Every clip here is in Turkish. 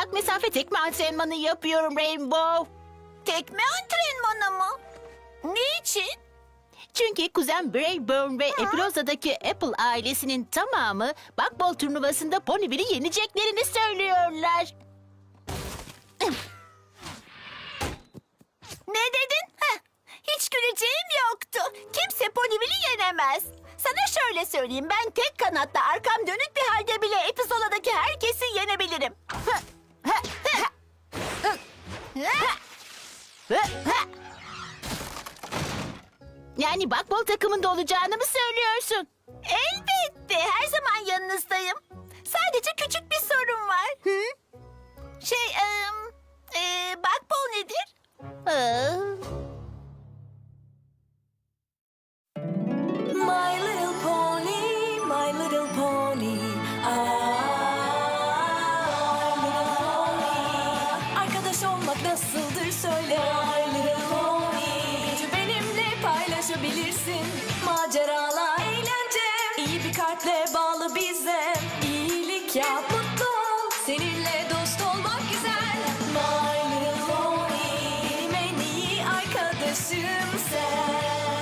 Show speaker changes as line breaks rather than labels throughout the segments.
uzak mesafe tekme antrenmanı yapıyorum Rainbow.
Tekme antrenmanı mı? Niçin?
Çünkü kuzen Brayburn ve Epiloza'daki Apple ailesinin tamamı bakbol turnuvasında Ponyville'i yeneceklerini söylüyorlar.
Ne dedin? Heh, hiç güleceğim yoktu. Kimse Ponyville'i yenemez. Sana şöyle söyleyeyim, ben tek kanatla arkam dönük bir halde bile Epizola'daki herkesi yenebilirim.
Yani bakbol takımında olacağını mı söylüyorsun?
Elbette, her zaman yanınızdayım. Sadece küçük bir sorun var. Bakbol nedir?
Aa,
My little pony, my little pony. My little pony. Arkadaş olmak nasıldır söyle. My little pony. Gücü benimle paylaşabilirsin. Maceralar, eğlence. İyi bir kalple bağlı bize. İyilik yap, mutlu ol. Seninle dost olmak güzel. My little pony. Benim en iyi arkadaşım sen.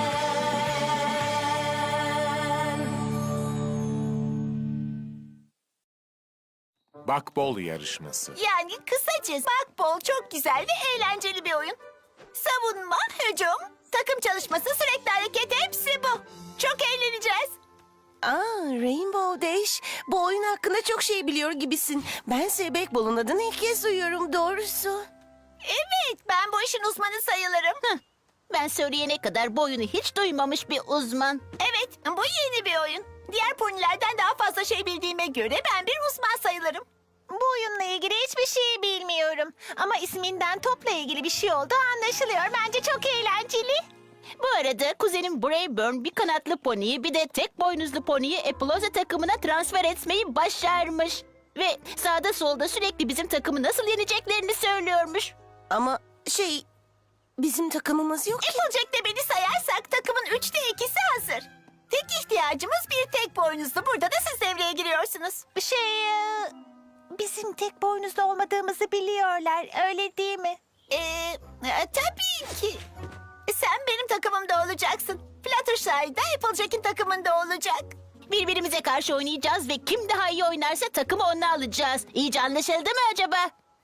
Bakbol yarışması.
Yani kısacası bakbol çok güzel ve eğlenceli bir oyun. Savunma, hücum, takım çalışması, sürekli hareket hepsi bu. Çok eğleneceğiz.
Rainbow Dash, bu oyun hakkında çok şey biliyor gibisin. Bense Bakbol'un adını ilk kez duyuyorum doğrusu.
Evet, ben bu işin uzmanı sayılırım.
ben söyleyene kadar bu oyunu hiç duymamış bir uzman.
Evet, bu yeni bir oyun. Diğer ponilerden daha fazla şey bildiğime göre ben bir uzman sayılırım.
Bu oyunla ilgili hiçbir şey bilmiyorum. Ama isminden topla ilgili bir şey olduğu anlaşılıyor. Bence çok eğlenceli.
Bu arada kuzenim Brayburn bir kanatlı poniyi bir de tek boynuzlu poniyi Epiloza takımına transfer etmeyi başarmış. Ve sağda solda sürekli bizim takımı nasıl yeneceklerini söylüyormuş.
Ama bizim takımımız yok ki.
Applejack'te beni sayarsak takımın 3'te 2'si hazır. Tek ihtiyacımız bir tek boynuzlu. Burada da siz devreye giriyorsunuz.
Bizim tek boynuzlu olmadığımızı biliyorlar. Öyle değil mi?
Tabii ki. Sen benim takımımda olacaksın. Fluttershy da Applejack'in takımında olacak.
Birbirimize karşı oynayacağız ve kim daha iyi oynarsa takımı ona alacağız. İyice anlaşıldı mı acaba?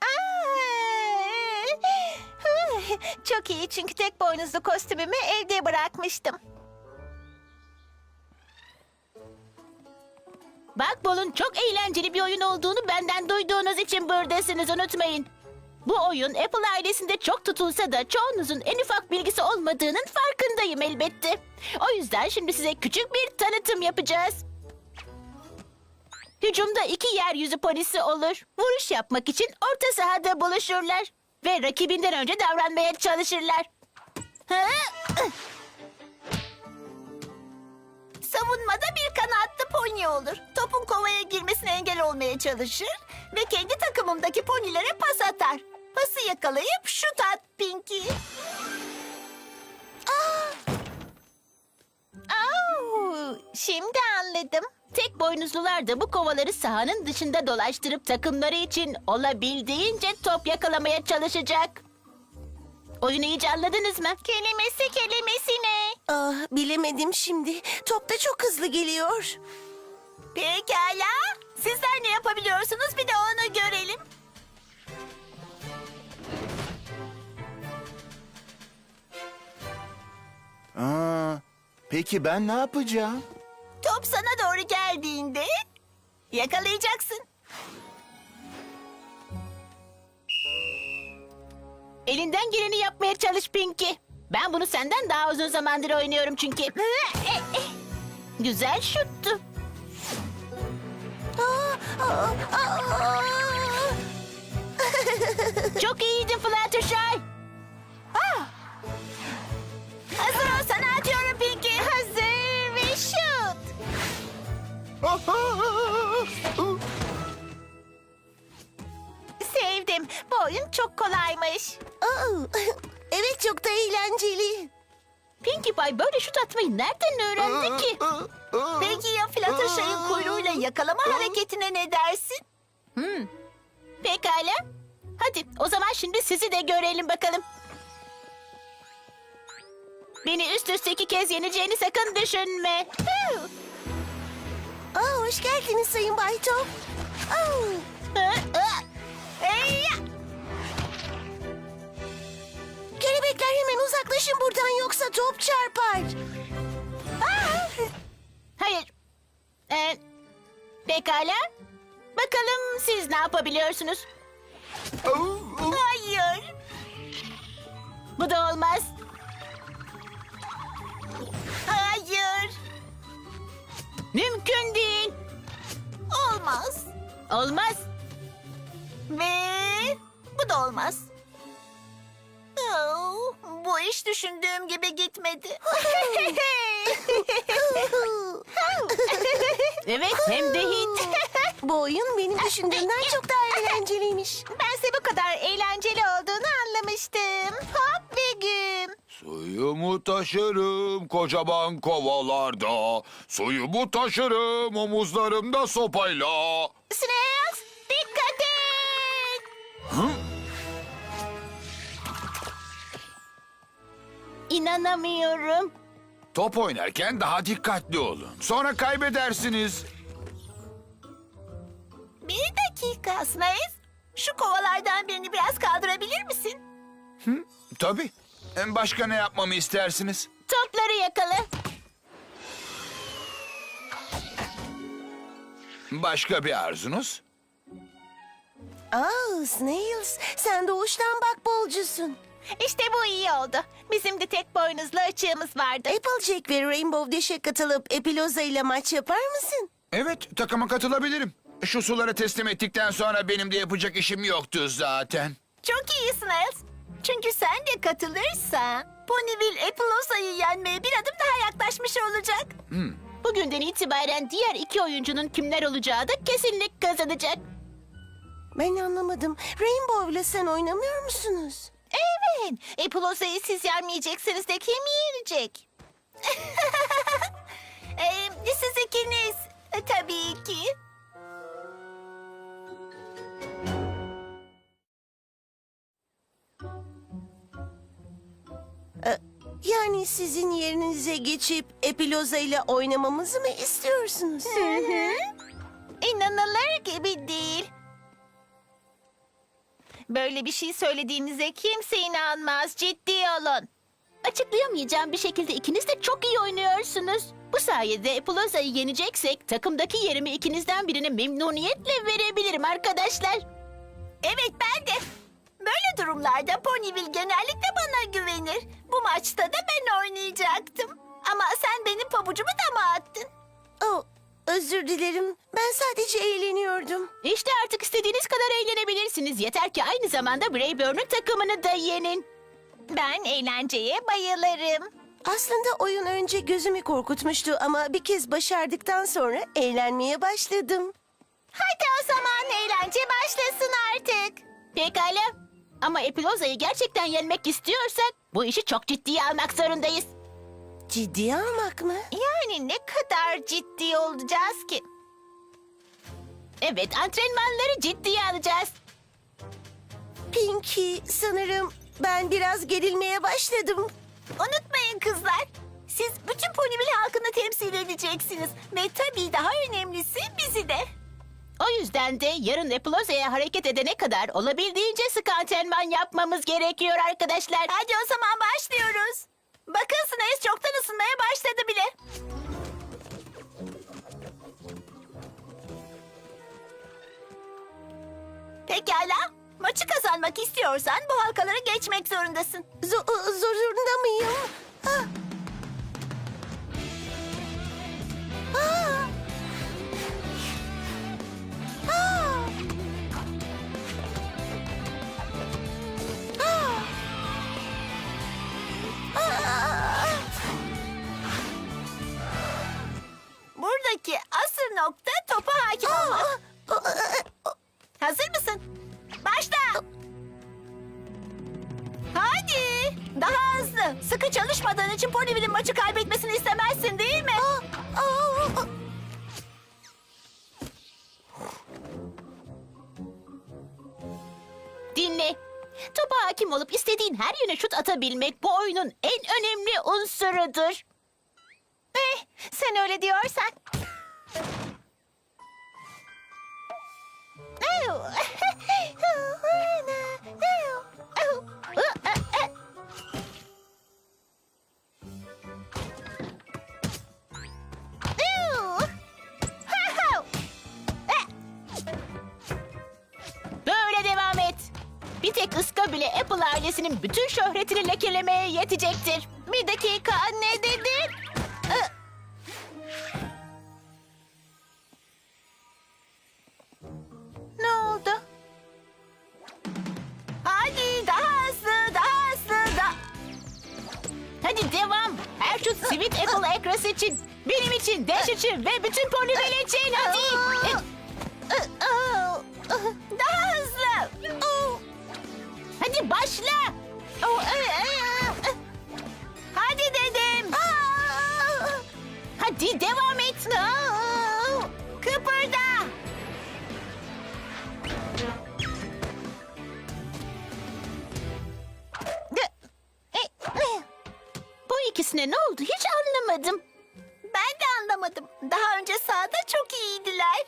Çok iyi çünkü tek boynuzlu kostümümü evde bırakmıştım.
Bakbol'un çok eğlenceli bir oyun olduğunu benden duyduğunuz için buradasınız, unutmayın. Bu oyun Apple ailesinde çok tutulsa da çoğunuzun en ufak bilgisi olmadığının farkındayım elbette. O yüzden şimdi size küçük bir tanıtım yapacağız. Hücumda 2 yeryüzü polisi olur. Vuruş yapmak için orta sahada buluşurlar. Ve rakibinden önce davranmaya çalışırlar.
Savunmada bir kanatlı pony olur. Topun kovaya girmesine engel olmaya çalışır ve kendi takımımdaki ponilere pas atar. Pası yakalayıp şut at Pinky.
Şimdi anladım.
Tek boynuzlular da bu kovaları sahanın dışında dolaştırıp takımları için olabildiğince top yakalamaya çalışacak. Oyunu iyice anladınız mı?
Kelimesi ne?
Bilemedim şimdi. Top da çok hızlı geliyor.
Pekala. Sizler ne yapabiliyorsunuz bir de onu görelim.
Peki ben ne yapacağım?
Top sana doğru geldiğinde yakalayacaksın.
Elinden geleni yapmaya çalış Pinky. Ben bunu senden daha uzun zamandır oynuyorum çünkü. Güzel şuttu. Çok iyiydin Fluttershy.
Hazır ol, sana atıyorum Pinky.
Hazır ve şut. Sevdim. Bu oyun çok kolaymış.
Evet, çok da eğlenceli.
Pinkie Pie böyle şut atmayı nereden öğrendi ki?
Peki ya Fluttershy'ın kuyruğuyla yakalama hareketine ne dersin?
Pekala. Hadi o zaman şimdi sizi de görelim bakalım. Beni üst üste 2 kez yeneceğini sakın düşünme. Huu!
Aa, hoş geldiniz Sayın Bay Top. Aa,
Eyya!
kelebekler hemen uzaklaşın buradan yoksa top çarpar.
Hayır. Pekala. Bakalım siz ne yapabiliyorsunuz?
Hayır.
Bu da olmaz.
Hayır.
Mümkün değil.
Olmaz.
Olmaz.
Ve bu da olmaz. Oh, bu iş düşündüğüm gibi gitmedi.
Evet hem de hiç.
Bu oyun benim düşündüğümden çok daha eğlenceliymiş.
Bense bu kadar eğlenceli olduğunu anlamıştım. Hop ve güm.
Suyumu taşırım kocaman kovalarda. Suyumu taşırım omuzlarımda sopayla.
Snails, dikkat et.
İnanamıyorum.
Top oynarken daha dikkatli olun. Sonra kaybedersiniz.
Bir dakika Snails. Şu kovalardan birini biraz kaldırabilir misin?
Tabii. Başka ne yapmamı istersiniz?
Topları yakala.
Başka bir arzunuz?
Aa, Snails, sen doğuştan bakbolcusun.
İşte bu iyi oldu. Bizim de tek boynuzlu açığımız vardı.
Applejack ve Rainbow Dash'e katılıp Epiloza ile maç yapar mısın?
Evet, takıma katılabilirim. Şu suları teslim ettikten sonra benim de yapacak işim yoktu zaten.
Çok iyi Snails. Çünkü sen de katılırsan Ponyville Epiloza'yı yenmeye bir adım daha yaklaşmış olacak.
Bugünden itibaren diğer 2 oyuncunun kimler olacağı da kesinlik kazanacak.
Ben anlamadım. Rainbow ile sen oynamıyor musunuz?
Evet. Epuloza'yı siz yenmeyeceksiniz de kim yenecek?
Siz ikiniz tabii ki.
Yani sizin yerinize geçip Epiloza ile oynamamızı mı istiyorsunuz?
İnanılır gibi değil. Böyle bir şey söylediğinize kimse inanmaz. Ciddi olun.
Açıklayamayacağım bir şekilde ikiniz de çok iyi oynuyorsunuz. Bu sayede Epuloza'yı yeneceksek takımdaki yerimi ikinizden birine memnuniyetle verebilirim arkadaşlar.
Evet ben de. Böyle durumlarda Ponyville genellikle bana güvenir. Bu maçta da ben oynayacaktım. Ama sen benim pabucumu dama attın.
Oh, özür dilerim. Ben sadece eğleniyordum.
İşte artık istediğiniz kadar eğlenebilirsiniz. Yeter ki aynı zamanda Brayburn'un takımını da yenin.
Ben eğlenceye bayılırım.
Aslında oyun önce gözümü korkutmuştu ama bir kez başardıktan sonra eğlenmeye başladım.
Hadi o zaman eğlence başlasın artık.
Pekala. Ama Epiloza'yı gerçekten yenmek istiyorsak bu işi çok ciddiye almak zorundayız.
Ciddiye almak mı?
Yani ne kadar ciddi olacağız ki?
Evet, antrenmanları ciddiye alacağız.
Pinky, sanırım ben biraz gerilmeye başladım.
Unutmayın kızlar. Siz bütün Ponyville halkını temsil edeceksiniz. Ve tabii daha önemlisi bizi de.
O yüzden de yarın Epiloza'ya hareket edene kadar olabildiğince sık antrenman yapmamız gerekiyor arkadaşlar.
Hadi o zaman başlıyoruz. Bakın Snails çoktan ısınmaya başladı bile. Pekala. Maçı kazanmak istiyorsan bu halkaları geçmek zorundasın.
Zorunda mıyım? Ah. Ah. Ah. Ah. Ah.
Buradaki asıl nokta topa hakim olmak. Hazır mısın? Başla. Hadi. Daha hızlı. Sıkı çalışmadığın için Ponyville'in maçı kaybetmesini istemezsin değil mi?
Topa hakim olup istediğin her yöne şut atabilmek bu oyunun en önemli unsurudur.
Sen öyle diyorsan.
Böyle devam et. Bir tek ıska bile Apple ailesinin bütün şöhretini lekelemeye yetecektir.
Bir dakika, ne dedin? Ne oldu?
Hadi daha hızlı, daha hızlı,
Hadi devam. Her şut Sweet Apple Acres için. Benim için, Dash için ve bütün Ponyville için. Hadi.
daha hızlı.
Hadi başla.
Hadi dedim.
Hadi devam et.
Kıpırda.
Bu ikisine ne oldu hiç anlamadım.
Ben de anlamadım. Daha önce sahada çok iyiydiler.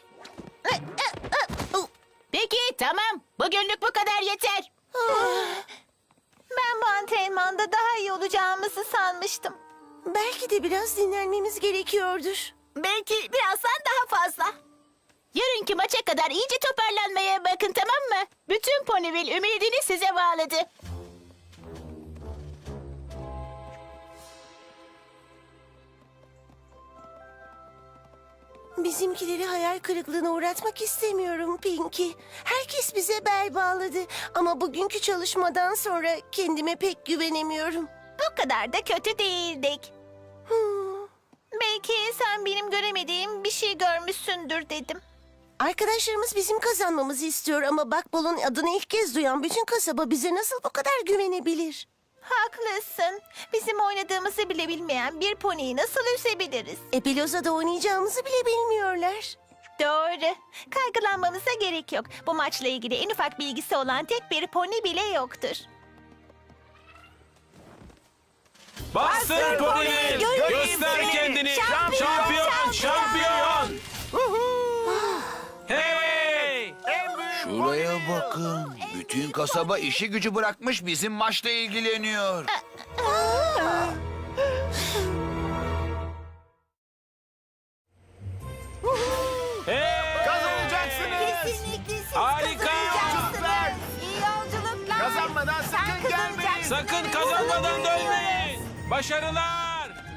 Peki tamam. Bugünlük bu kadar yeter.
Ben bu antrenmanda daha iyi olacağımızı sanmıştım.
Belki de biraz dinlenmemiz gerekiyordur.
Belki birazdan daha fazla.
Yarınki maça kadar iyice toparlanmaya bakın tamam mı? Bütün Ponyville ümidini size bağladı.
Bizimkileri hayal kırıklığına uğratmak istemiyorum Pinky. Herkes bize bel bağladı. Ama bugünkü çalışmadan sonra kendime pek güvenemiyorum.
Bu kadar da kötü değildik. Belki sen benim göremediğim bir şey görmüşsündür dedim.
Arkadaşlarımız bizim kazanmamızı istiyor ama Bakbol'un adını ilk kez duyan bütün kasaba bize nasıl bu kadar güvenebilir?
Haklısın. Bizim oynadığımızı bile bilmeyen bir poniyi nasıl üzebiliriz?
Epiloza'da oynayacağımızı bile bilmiyorlar.
Doğru. Kaygılanmamıza gerek yok. Bu maçla ilgili en ufak bilgisi olan tek bir pony bile yoktur.
Bastır Ponyville! Göster kendini! Şampiyon! Şampiyon! Hey!
Şuraya bakın. Bütün kasaba işi gücü bırakmış bizim maçla ilgileniyor.
Hey!
Kazanacaksınız.
Kesinlikle siz
Harika!
kazanacaksınız. İyi yolculuklar.
Kazanmadan sakın gelmeyin.
Sakın kazanmadan dönmeyin! Başarılar!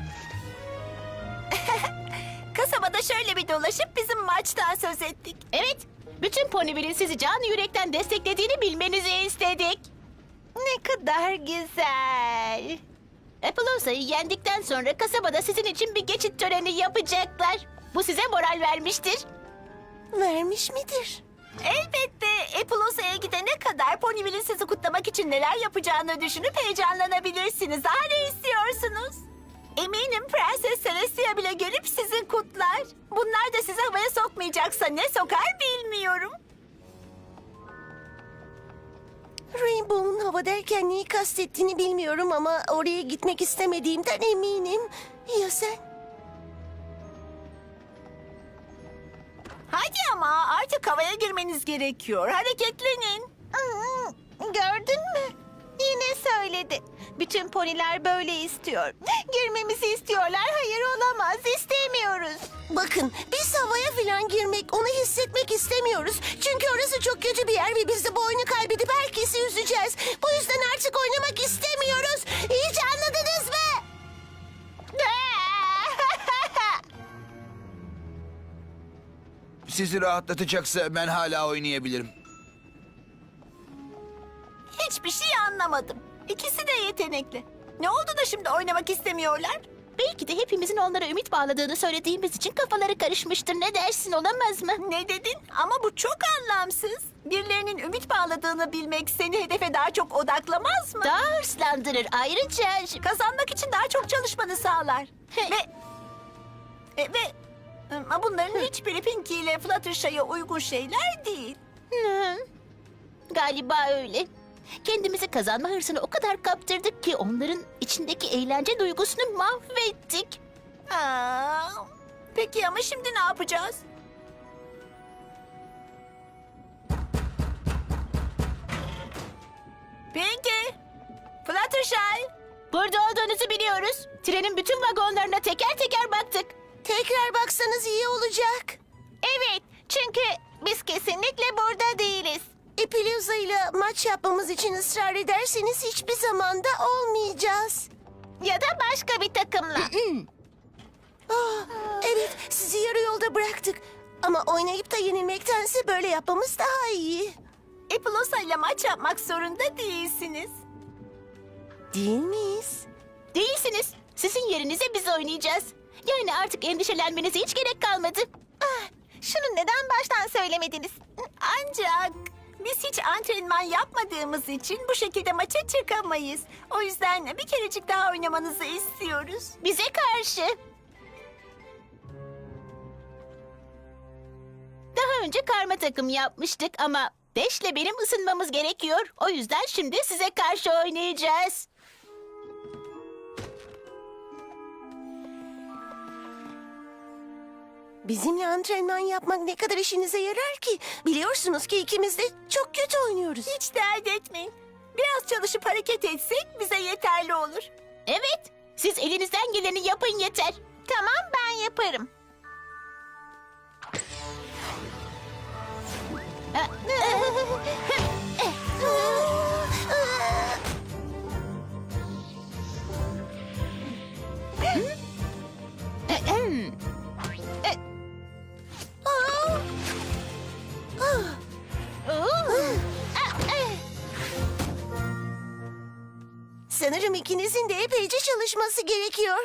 Kasabada şöyle bir dolaşıp bizim maçtan söz ettik.
Evet. Bütün Ponyville'in sizi canı yürekten desteklediğini bilmenizi istedik.
Ne kadar güzel.
Appleosa'yı yendikten sonra kasabada sizin için bir geçit töreni yapacaklar. Bu size moral vermiştir.
Vermiş midir?
Elbette Appleosa'ya gidene kadar Ponyville'in sizi kutlamak için neler yapacağını düşünüp heyecanlanabilirsiniz. Daha ne istiyorsunuz? Eminim Prenses Celestia bile gelip sizi kutlar. Bunlar da sizi havaya sokmayacaksa ne sokar bilmiyorum.
Rainbow'un hava derken neyi kastettiğini bilmiyorum ama oraya gitmek istemediğimden eminim. Ya sen?
Hadi ama artık havaya girmeniz gerekiyor. Hareketlenin.
Gördün mü? Yine söyledi. Bütün poniler böyle istiyor. Girmemizi istiyorlar. Hayır olamaz. İstemiyoruz.
Bakın biz havaya falan girmek, onu hissetmek istemiyoruz. Çünkü orası çok kötü bir yer ve biz de bu oyunu kaybedip herkesi üzeceğiz. Bu yüzden artık oynamak istemiyoruz. İyice anladınız mı?
Sizi rahatlatacaksa ben hala oynayabilirim.
Hiçbir şey anlamadım. İkisi de yetenekli. Ne oldu da şimdi oynamak istemiyorlar?
Belki de hepimizin onlara ümit bağladığını söylediğimiz için kafaları karışmıştır. Ne dersin olamaz mı?
Ne dedin? Ama bu çok anlamsız. Birilerinin ümit bağladığını bilmek seni hedefe daha çok odaklamaz mı?
Daha hırslandırır. Ayrıca...
Kazanmak için daha çok çalışmanı sağlar. ve bunların hiçbiri Pinky ile Fluttershy'e uygun şeyler değil.
Hı, galiba öyle. Kendimizi kazanma hırsına o kadar kaptırdık ki onların içindeki eğlence duygusunu mahvettik.
Aa, peki ama şimdi ne yapacağız? Pinky, Fluttershy.
Burada olduğunuzu biliyoruz. Trenin bütün vagonlarına teker teker baktık.
Tekrar baksanız iyi olacak.
Evet, çünkü biz kesinlikle burada değiliz.
Epileuza ile maç yapmamız için ısrar ederseniz hiçbir zamanda olmayacağız.
Ya da başka bir takımla.
Evet, sizi yarı yolda bıraktık. Ama oynayıp da yenilmektense böyle yapmamız daha iyi.
Epileuza ile maç yapmak zorunda değilsiniz.
Değil miyiz?
Değilsiniz. Sizin yerinize biz oynayacağız. Yani artık endişelenmenize hiç gerek kalmadı.
Şunu neden baştan söylemediniz?
Ancak biz hiç antrenman yapmadığımız için bu şekilde maça çıkamayız. O yüzden bir kerecik daha oynamanızı istiyoruz.
Bize karşı. Daha önce karma takım yapmıştık ama Dash'le benim ısınmamız gerekiyor. O yüzden şimdi size karşı oynayacağız.
Bizimle antrenman yapmak ne kadar işinize yarar ki? Biliyorsunuz ki ikimiz de çok kötü oynuyoruz.
Hiç dert etmeyin. Biraz çalışıp hareket etsek bize yeterli olur.
Evet, siz elinizden geleni yapın yeter.
Tamam, ben yaparım.
Sanırım ikinizin de epeyce çalışması gerekiyor.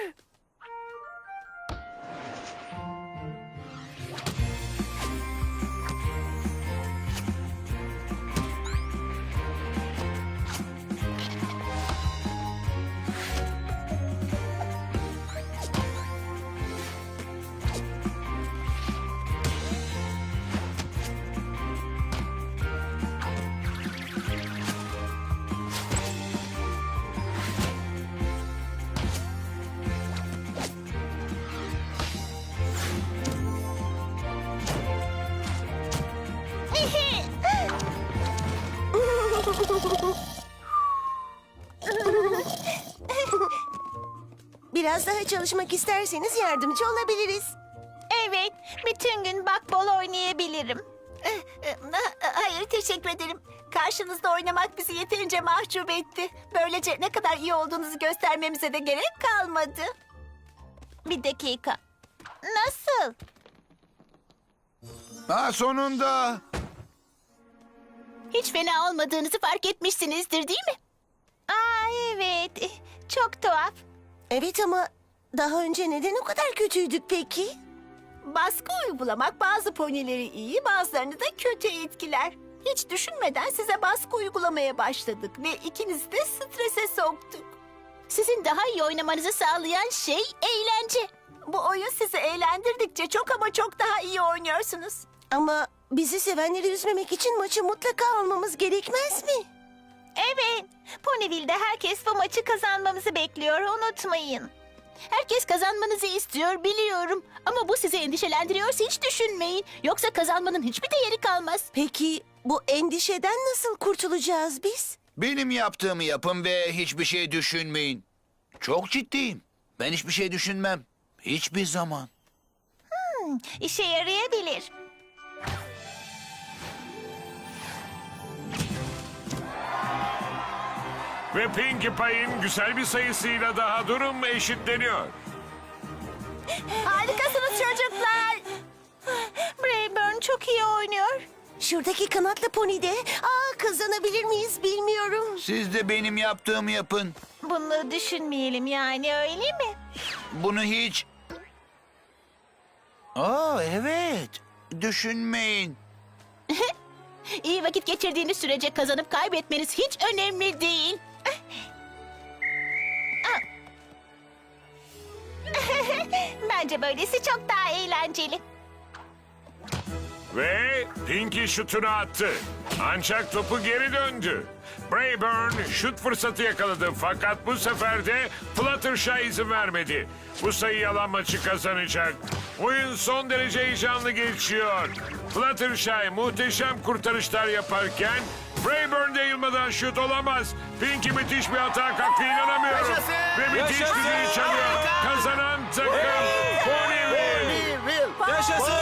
Biraz daha çalışmak isterseniz yardımcı olabiliriz.
Evet, bütün gün bakbol oynayabilirim.
Hayır, teşekkür ederim. Karşınızda oynamak bizi yeterince mahcup etti. Böylece ne kadar iyi olduğunuzu göstermemize de gerek kalmadı.
Bir dakika. Nasıl?
Ha, sonunda.
Hiç fena olmadığınızı fark etmişsinizdir değil mi?
Evet, çok tuhaf.
Evet ama daha önce neden o kadar kötüydük peki?
Baskı uygulamak bazı ponileri iyi, bazılarını da kötü etkiler. Hiç düşünmeden size baskı uygulamaya başladık ve ikinizi de strese soktuk.
Sizin daha iyi oynamanızı sağlayan şey eğlence.
Bu oyun sizi eğlendirdikçe çok ama çok daha iyi oynuyorsunuz.
Ama bizi sevenleri üzmemek için maçı mutlaka almamız gerekmez mi?
Evet, Ponyville'de herkes bu maçı kazanmamızı bekliyor, unutmayın.
Herkes kazanmanızı istiyor biliyorum. Ama bu sizi endişelendiriyorsa hiç düşünmeyin. Yoksa kazanmanın hiçbir değeri kalmaz.
Peki bu endişeden nasıl kurtulacağız biz?
Benim yaptığımı yapın ve hiçbir şey düşünmeyin. Çok ciddiyim. Ben hiçbir şey düşünmem. Hiçbir zaman.
İşe yarayabilir.
Ve Pinkie Pie'in güzel bir sayısıyla daha durum eşitleniyor.
Harikasınız çocuklar.
Brayburn çok iyi oynuyor.
Şuradaki kanatlı pony de kazanabilir miyiz bilmiyorum.
Siz de benim yaptığımı yapın.
Bunu düşünmeyelim yani, öyle mi?
Bunu hiç... Evet. Düşünmeyin.
İyi vakit geçirdiğiniz sürece kazanıp kaybetmeniz hiç önemli değil.
Bence böylesi çok daha eğlenceli.
Ve Pinkie şutunu attı. Ancak topu geri döndü. Brayburn şut fırsatı yakaladı fakat bu sefer de Fluttershy izin vermedi. Bu sayı alan maçı kazanacak. Oyun son derece heyecanlı geçiyor. Fluttershy muhteşem kurtarışlar yaparken Brayburn de yılmadan şut olamaz. Pinky müthiş bir hata kalktı, inanamıyorum.
Yaşasın!
Ve müthiş bir
Yaşasın!
düdüğü çalıyor. Kazanan takım Ponyville.
Yaşasın!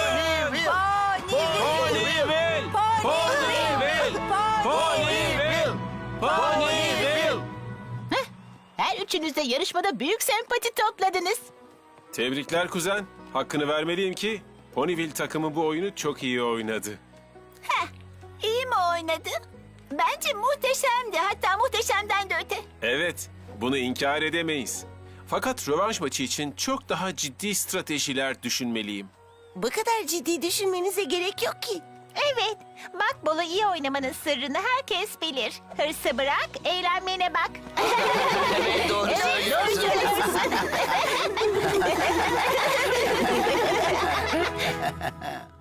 Ponyville! Ponyville! Ponyville! Ponyville!
Her üçünüz de yarışmada büyük sempati topladınız.
Tebrikler kuzen. Hakkını vermeliyim ki Ponyville takımı bu oyunu çok iyi oynadı.
İyi mi oynadı? Bence muhteşemdi. Hatta muhteşemden de öte.
Evet, bunu inkar edemeyiz. Fakat rövanş maçı için çok daha ciddi stratejiler düşünmeliyim.
Bu kadar ciddi düşünmenize gerek yok ki.
Evet, Makbol'u iyi oynamanın sırrını herkes bilir. Hırsı bırak, eğlenmene bak.
Doğru söylüyorsun.